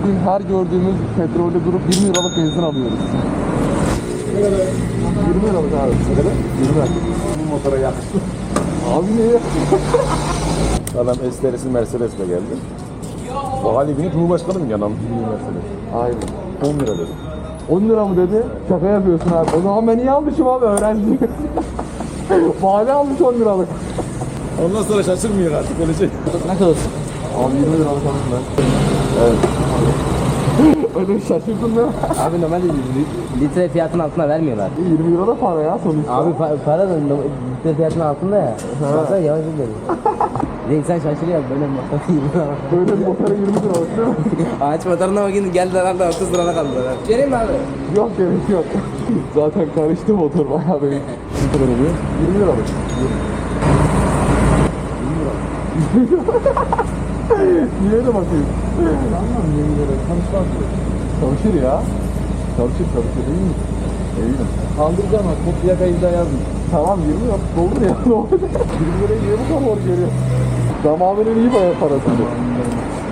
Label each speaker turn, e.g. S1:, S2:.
S1: bugün her gördüğümüz petrolde durup 20 liralık benzin alıyoruz. 20 liralık abi. Ne kadar? 20 liralık.
S2: Bu motora yakıştı.
S1: Abi niye?
S2: Adam esterisi Mercedes'le geldi. Bu hali günü Cumhurbaşkanı mı yanan Mercedes?
S1: Aynen.
S2: 10 lira dedi.
S1: 10 lira mı dedi? Şaka yapıyorsun abi. O zaman ben iyi almışım abi öğrenci. Vali almış 10 liralık.
S2: Ondan sonra şaşırmıyor artık öyle şey.
S3: Ne kadar olsun?
S1: Abi 20 liralık aldım ben. Evet. Öyle şaşırdın değil mi?
S3: Abi normalde litre fiyatının altına vermiyorlar.
S1: 20 lira da para ya sonuçta.
S3: Abi para da litre fiyatının altında ya. Baksana yavaş gidiyor. Renk sen şaşırıyor böyle motor 20 lira.
S1: Böyle bir motora 20 liralık değil mi?
S3: Ağaç motoruna bakın geldiler abi 30 lirana kaldılar. Vereyim mi abi?
S1: Yok gerek yok. Zaten karıştı motor bayağı benim.
S2: Ne kadar oluyor?
S1: 20 liralık. 20 lira. Niye öyle bakıyorsun?
S2: Anlam 20 lira. Tanışmaz mı?
S1: Çalışır ya. Çalışır iyi mi? Eminim.
S2: Kaldıracağım bak. Bu plakayı da yazdım.
S1: Tamam 20 yok. Doldur ya. 20 lirayı niye bu kadar hor görüyor? Zamanının iyi bayağı parası.